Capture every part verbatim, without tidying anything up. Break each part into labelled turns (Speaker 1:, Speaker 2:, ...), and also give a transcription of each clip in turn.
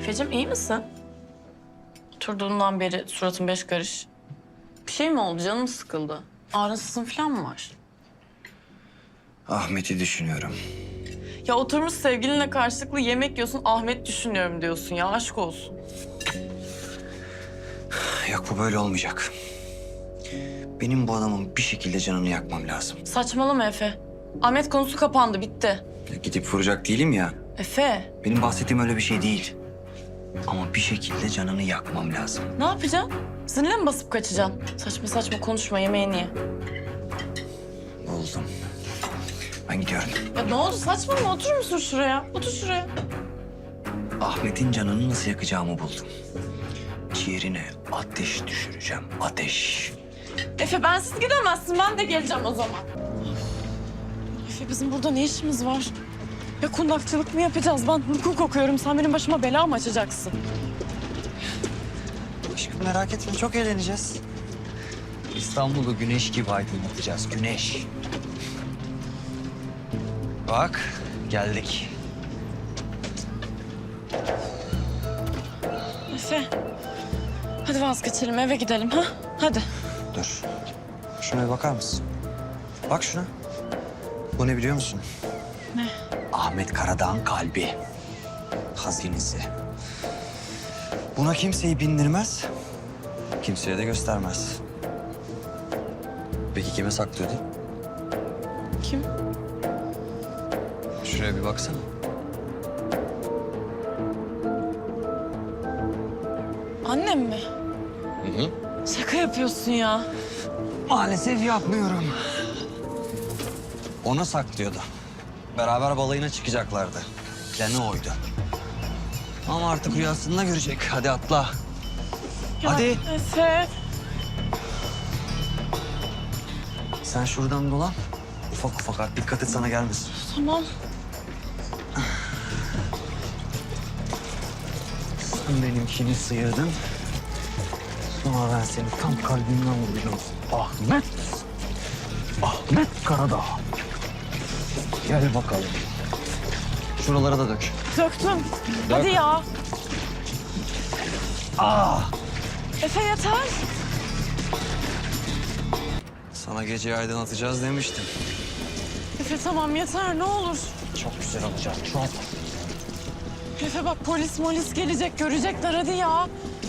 Speaker 1: Efe'cim iyi misin? Oturduğundan beri suratın beş karış. Bir şey mi oldu? Canın mı sıkıldı? Ağrısızın falan mı var?
Speaker 2: Ahmet'i düşünüyorum.
Speaker 1: Ya oturmuş sevgilinle karşılıklı yemek yiyorsun, Ahmet düşünüyorum diyorsun ya. Aşk olsun.
Speaker 2: Yok, bu böyle olmayacak. Benim bu adamın bir şekilde canını yakmam lazım.
Speaker 1: Saçmalama Efe. Ahmet konusu kapandı, bitti.
Speaker 2: Ya gidip vuracak değilim ya.
Speaker 1: Efe,
Speaker 2: Benim bahsettiğim öyle bir şey değil. Ama bir şekilde canını yakmam lazım.
Speaker 1: ne yapacaksın? Zırhla mı basıp kaçacaksın? Saçma saçma konuşma, yemeğini ye.
Speaker 2: Buldum. Ben gidiyorum.
Speaker 1: Ya ne oldu? Saçmalama, oturur musun şuraya? Otur şuraya.
Speaker 2: Ahmet'in canını nasıl yakacağımı buldum. Ciğerine ateş düşüreceğim. Ateş.
Speaker 1: Efe bensiz gidemezsin, ben de geleceğim o zaman. Efe bizim burada ne işimiz var? Ya kundakçılık mı yapacağız? Ben hukuk okuyorum. Sen benim başıma bela mı açacaksın?
Speaker 2: Aşkım merak etme, çok eğleneceğiz. İstanbul'u güneş gibi aydınlatacağız. Güneş. Bak, geldik.
Speaker 1: Efe, hadi vazgeçelim, eve gidelim ha? Hadi.
Speaker 2: Dur. Şuna bir bakar mısın? Bak şuna. Bu ne biliyor musun?
Speaker 1: Ne?
Speaker 2: Ahmet Karadağ'ın kalbi. Hazinesi. Buna kimseyi bindirmez. Kimseye de göstermez. Peki kime saklıyordu?
Speaker 1: Kim?
Speaker 2: Şuraya bir baksana.
Speaker 1: Annem mi?
Speaker 2: Hı hı.
Speaker 1: Şaka yapıyorsun ya.
Speaker 2: Maalesef yapmıyorum. Ona saklıyordu. Beraber balayına çıkacaklardı. Planı oydu. Ama artık rüyasında görecek. Hadi atla.
Speaker 1: Ya
Speaker 2: Hadi.
Speaker 1: Efe.
Speaker 2: Sen şuradan dolan. Ufak ufak at. Dikkat et sana gelmesin.
Speaker 1: Tamam.
Speaker 2: Sen benimkini sıyırdın. Sonra ben seni tam kalbimden vuracağım. Ahmet. Ahmet Karadağ. Gel bakalım. Şuralara da dök.
Speaker 1: Döktüm. Hadi ya.
Speaker 2: Ah!
Speaker 1: Efe yeter.
Speaker 2: Sana geceyi aydınlatacağız demiştim.
Speaker 1: Efe tamam yeter, ne olur.
Speaker 2: Çok güzel olacak, çok.
Speaker 1: Efe bak polis molis gelecek, görecekler hadi ya.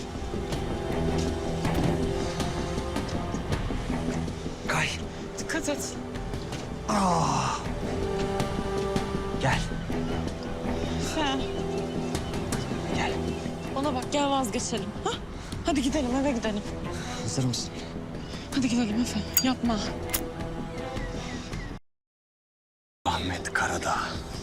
Speaker 2: Kay.
Speaker 1: Dikkat et.
Speaker 2: Ah! Gel,
Speaker 1: Efe.
Speaker 2: gel.
Speaker 1: Bana bak gel vazgeçelim. Ha? Hadi gidelim eve gidelim.
Speaker 2: Hazır mısın?
Speaker 1: Hadi gidelim Efe. Yapma.
Speaker 2: Ahmet Karadağ.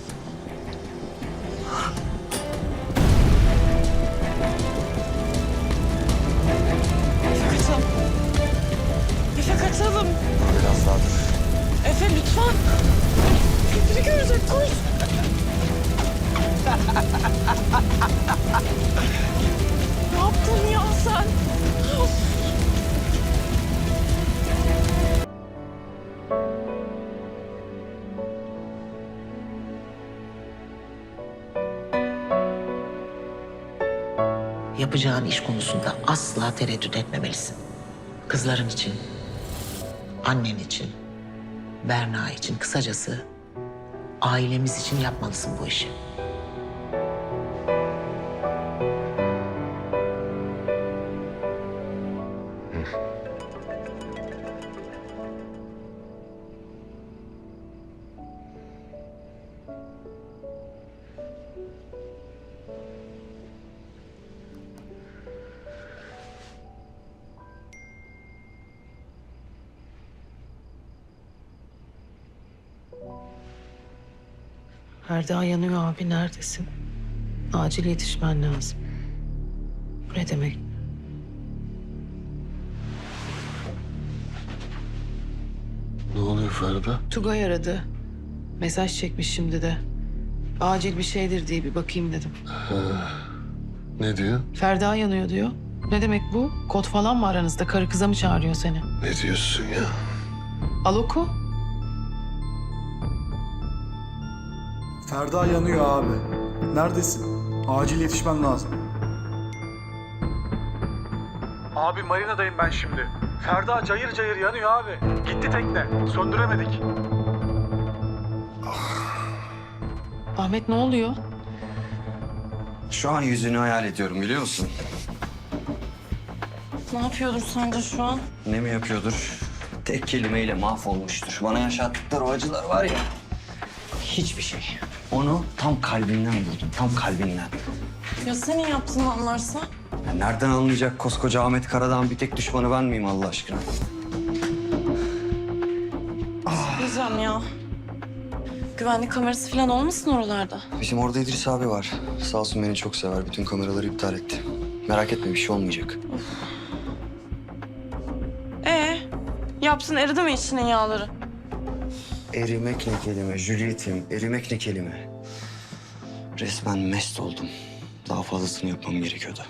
Speaker 1: Efe kaçalım. Efe kaçalım.
Speaker 2: Biraz daha dur.
Speaker 1: Efe lütfen. Biri görecek koş. Ne yaptın ya sen?
Speaker 3: Yapacağın iş konusunda asla tereddüt etmemelisin. Kızların için, annen için, Berna için, kısacası ailemiz için yapmalısın bu işi.
Speaker 4: Ferda yanıyor abi, neredesin? Acil yetişmen lazım. Bu ne demek?
Speaker 5: Ne oluyor Ferda?
Speaker 4: Tugay aradı. Mesaj çekmiş şimdi de. Acil bir şeydir diye bir bakayım dedim.
Speaker 5: Ne diyor?
Speaker 4: Ferda yanıyor diyor. Ne demek bu? Kod falan mı aranızda? Karı kıza mı çağırıyor seni?
Speaker 5: Ne diyorsun ya?
Speaker 4: Al oku.
Speaker 6: Ferda yanıyor abi. Neredesin? Acil yetişmen lazım. Abi marinadayım ben şimdi. Ferda cayır cayır yanıyor abi. Gitti tekne. Söndüremedik.
Speaker 4: Ahmet ne oluyor?
Speaker 2: Şu an yüzünü hayal ediyorum biliyor musun?
Speaker 1: Ne yapıyordur sence şu an?
Speaker 2: Ne mi yapıyordur? Tek kelimeyle mahvolmuştur. Bana yaşattıkları o acılar var ya. Hiçbir şey. Onu tam kalbinden buldum. Tam kalbinden.
Speaker 1: Ya senin yaptığını anlarsa?
Speaker 2: Ya nereden anlayacak koskoca Ahmet Karadağ'ın bir tek düşmanı ben miyim Allah aşkına?
Speaker 1: Diyeceğim ya. Güvenlik kamerası falan olmasın oralarda?
Speaker 2: Bizim orada İdris abi var. Sağ olsun beni çok sever. Bütün kameraları iptal etti. Merak etme bir şey olmayacak.
Speaker 1: Ee, yapsın eridi mi içinin yağları?
Speaker 2: Erimek ne kelime Juliet'im. Erimek ne kelime. Resmen mest oldum. Daha fazlasını yapmam gerekiyordu.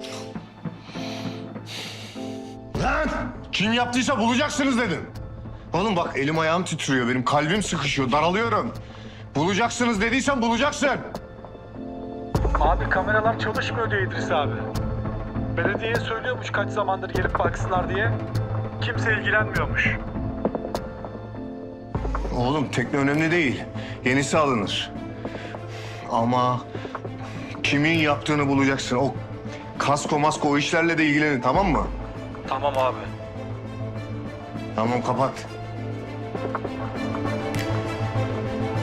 Speaker 5: Lan! Kim yaptıysa bulacaksınız dedim. Oğlum bak elim ayağım titriyor. Benim kalbim sıkışıyor. Daralıyorum. Bulacaksınız dediysen bulacaksın.
Speaker 6: Abi kameralar çalışmıyor diyor İdris abi. Belediyeye söylüyormuş kaç zamandır gelip baksınlar diye. Kimse ilgilenmiyormuş.
Speaker 5: Oğlum tekne önemli değil. Yenisi alınır. Ama kimin yaptığını bulacaksın. O kasko masko o işlerle de ilgilenin tamam mı?
Speaker 6: Tamam abi.
Speaker 5: Tamam kapat.